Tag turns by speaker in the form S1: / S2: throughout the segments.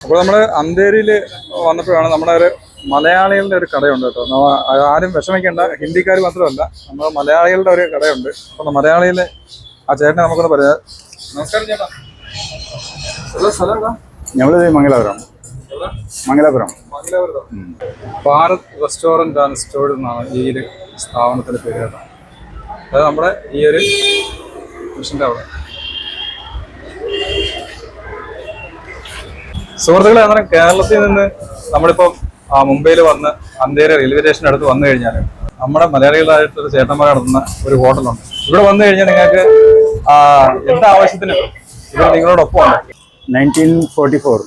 S1: അപ്പോൾ നമ്മൾ അന്തേരിയിൽ വന്നപ്പോഴാണ് നമ്മുടെ ഒരു മലയാളികളുടെ ഒരു കടയുണ്ട് കേട്ടോ. ആരും വിഷമിക്കേണ്ട, ഹിന്ദിക്കാർ മാത്രമല്ല, നമ്മുടെ മലയാളികളുടെ ഒരു കടയുണ്ട്. അപ്പോൾ മലയാളിയിലെ ആ ചേട്ടനെ നമുക്കൊന്ന് പറയാം. നമസ്കാരം ചേട്ടാ. സ്ഥലം എന്താ?
S2: ഞമ്മള് Mangalapuram.
S1: Bharat restaurant and store എന്നാണ് ഈ ഒരു സ്ഥാപനത്തിൻ്റെ പേര് കേട്ടോ. അതായത് നമ്മുടെ ഈ ഒരു മിഷൻ്റെ അവിടെ. സുഹൃത്തുക്കളെ, അങ്ങനെ കേരളത്തിൽ നിന്ന് നമ്മളിപ്പം മുംബൈയിൽ വന്ന് അന്തേരി റെയിൽവേ സ്റ്റേഷൻ്റെ അടുത്ത് വന്നു കഴിഞ്ഞാൽ നമ്മുടെ മലയാളികളായിട്ടുള്ള ചേട്ടന്മാർ നടത്തുന്ന ഒരു ഹോട്ടലുണ്ട്. ഇവിടെ വന്നു കഴിഞ്ഞാൽ നിങ്ങൾക്ക് എന്താ ആവശ്യത്തിന് ഇവിടെ നിങ്ങളോടൊപ്പം ഉണ്ട്.
S2: 1944.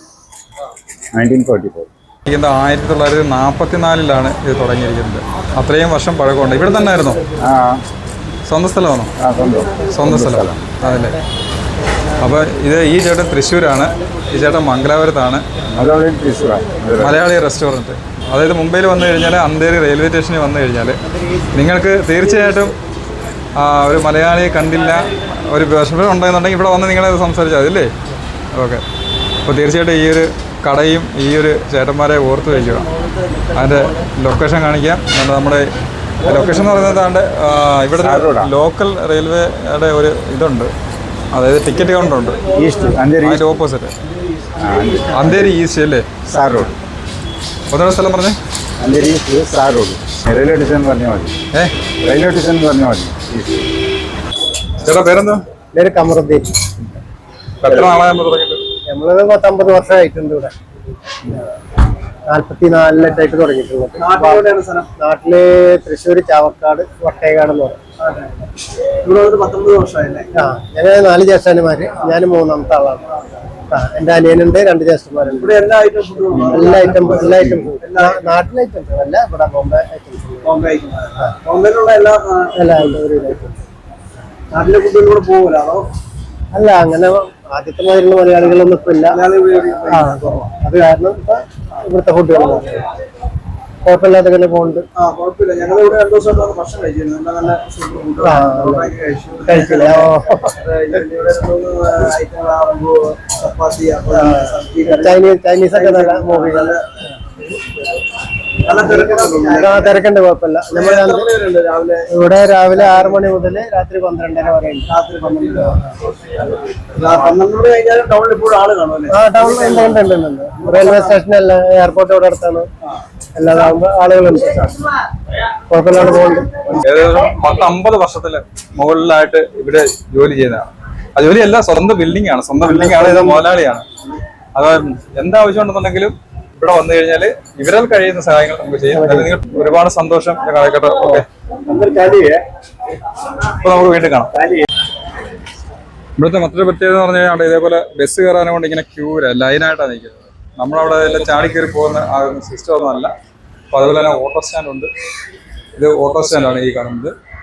S1: 1944 ഇത് തുടങ്ങിയിരിക്കുന്നത്. അത്രയും വർഷം പഴക്കമുണ്ട്. ഇവിടെ തന്നെ ആയിരുന്നോ? സ്വന്തം സ്ഥലമാണോ? സ്വന്തം സ്ഥലം അതല്ലേ. അപ്പോൾ ഇത് ഈ ചേട്ടൻ തൃശ്ശൂരാണ്, ഈ ചേട്ടൻ മംഗലാപുരത്താണ്. മലയാളി റെസ്റ്റോറൻറ്റ്. അതായത് മുംബൈയിൽ വന്നു കഴിഞ്ഞാൽ അന്തേരി റെയിൽവേ സ്റ്റേഷനിൽ വന്നു കഴിഞ്ഞാൽ നിങ്ങൾക്ക് തീർച്ചയായിട്ടും ഒരു മലയാളിയെ കണ്ടില്ല, ഒരു വിഷമം ഉണ്ടെന്നുണ്ടെങ്കിൽ ഇവിടെ വന്ന് നിങ്ങളത് സംസാരിച്ചാൽ മതില്ലേ? ഓക്കെ. അപ്പോൾ തീർച്ചയായിട്ടും ഈ ഒരു കടയും ഈ ഒരു ചേട്ടന്മാരെ ഓർത്ത് വയ്ക്കുക. അതിൻ്റെ ലൊക്കേഷൻ കാണിക്കാം. നമ്മുടെ ലൊക്കേഷൻ എന്ന് പറയുന്നത് ഇവിടെ ലോക്കൽ റെയിൽവേയുടെ ഒരു ഇതുണ്ട്, അതായത് ടിക്കറ്റ് കൗണ്ടറുണ്ട്. അതിൻ്റെ ഓപ്പോസിറ്റ് അന്തേരി ഈസ്റ്റ് അല്ലേ?
S2: Sir road.
S1: ഒന്നുകൂടെ സ്ഥലം പറഞ്ഞേ.
S2: Andheri east sir road. Railway station പറഞ്ഞാൽ മതി. റെയിൽവേ സ്റ്റേഷൻ പറഞ്ഞാൽ മതി.
S1: ചേട്ടാ പേരെന്താ?
S2: പേര് കമറുദ്ദീൻ.
S1: എത്ര നാളായി തുടങ്ങിയിട്ട്?
S2: നമ്മളത് 50 വർഷമായിട്ടുണ്ട് ഇവിടെ. 44-ായിട്ട് തുടങ്ങിയിട്ടുണ്ട്. നാട്ടില് തൃശ്ശൂർ ചാവക്കാട് വട്ടേകാട് എന്ന് പറയും.
S3: ഇവിടെ 19 വർഷമായില്ലേ?
S2: ഞങ്ങൾ 4 ജ്യേഷ്ഠന്മാര്, ഞാൻ 3ാമത്തെ ആളാണ്. എന്റെ അനിയനുണ്ട്, 2 ജ്യേഷ്ഠന്മാരുണ്ട്.
S3: ഇവിടെ എല്ലാ ഐറ്റം ഫുഡും
S2: എല്ലാ ഐറ്റംസും നാട്ടിലെ ഐറ്റംസ് അല്ല, ഇവിടെ ബോംബെ ഐറ്റംസ്.
S3: ബോംബെയിലുള്ള എല്ലാ
S2: ഐറ്റംസ്.
S3: നാട്ടിലെ ഫുഡിൽ കൂടെ പോകില്ല അതോ?
S2: അല്ല, അങ്ങനെ ആദ്യത്തെ മാതിരിയുള്ള മലയാളികളൊന്നും ഇപ്പൊ ഇല്ല. അത് കാരണം ഇപ്പൊ ഇവിടുത്തെ ഫുഡുകൾ കുഴപ്പമില്ലാതെ തന്നെ പോകുന്നുണ്ട്.
S3: കുഴപ്പമില്ല. ഞങ്ങൾ ഇവിടെ 2 ദിവസം ഭക്ഷണം കഴിച്ചിരുന്നു. നല്ല
S2: കഴിച്ചില്ല.
S3: ചപ്പാത്തി,
S2: ചൈനീസ് ഒക്കെ നല്ല മൂവികൾ. തിരക്കുണ്ട്, കുഴപ്പമില്ല. ഇവിടെ രാവിലെ 6 മണി മുതൽ രാത്രി 12:30 വരെ.
S3: ടൗണിൽ ഇപ്പോഴും ആള് കാണുമല്ലേ?
S2: ടൗണിൽ റെയിൽവേ സ്റ്റേഷനല്ല, എയർപോർട്ട് ഇവിടെ അടുത്താണ്. എല്ലാതാകുമ്പോ ആളുകളുണ്ട്, കുഴപ്പമില്ലാണ്ട് പോകുന്നുണ്ട്.
S1: ഏകദേശം 10-50 വർഷത്തില് മുകളിലായിട്ട് ഇവിടെ ജോലി ചെയ്യുന്നതാണ്. ആ ജോലിയല്ല, സ്വന്തം ബിൽഡിംഗ് ആണ്. ഇത് മുതലാളിയാണ്. അത് എന്താവശ്യം ഉണ്ടെന്നുണ്ടെങ്കിലും ഇവിടെ വന്നു കഴിഞ്ഞാൽ ഇവരാൽ കഴിയുന്ന സഹായങ്ങൾ നമുക്ക് ചെയ്യും. നിങ്ങൾ ഒരുപാട് സന്തോഷം. കാലഘട്ടം ഓക്കെ. ഇപ്പൊ നമുക്ക് വീണ്ടും കാണാം. ഇവിടുത്തെ മറ്റൊരു പ്രത്യേകത എന്ന് പറഞ്ഞു കഴിഞ്ഞാൽ ഇതേപോലെ ബസ് കയറാനും കൊണ്ട് ഇങ്ങനെ ലൈനായിട്ടാണ് നിൽക്കുന്നത്. നമ്മളവിടെ എല്ലാം ചാടിക്കയറി പോകുന്ന സിസ്റ്റം ഒന്നും അല്ല. അപ്പോൾ അതുപോലെ തന്നെ ഓട്ടോ സ്റ്റാൻഡ് ഉണ്ട്. ഇത് ഓട്ടോ സ്റ്റാൻഡാണ് ഈ കാണുന്നത്.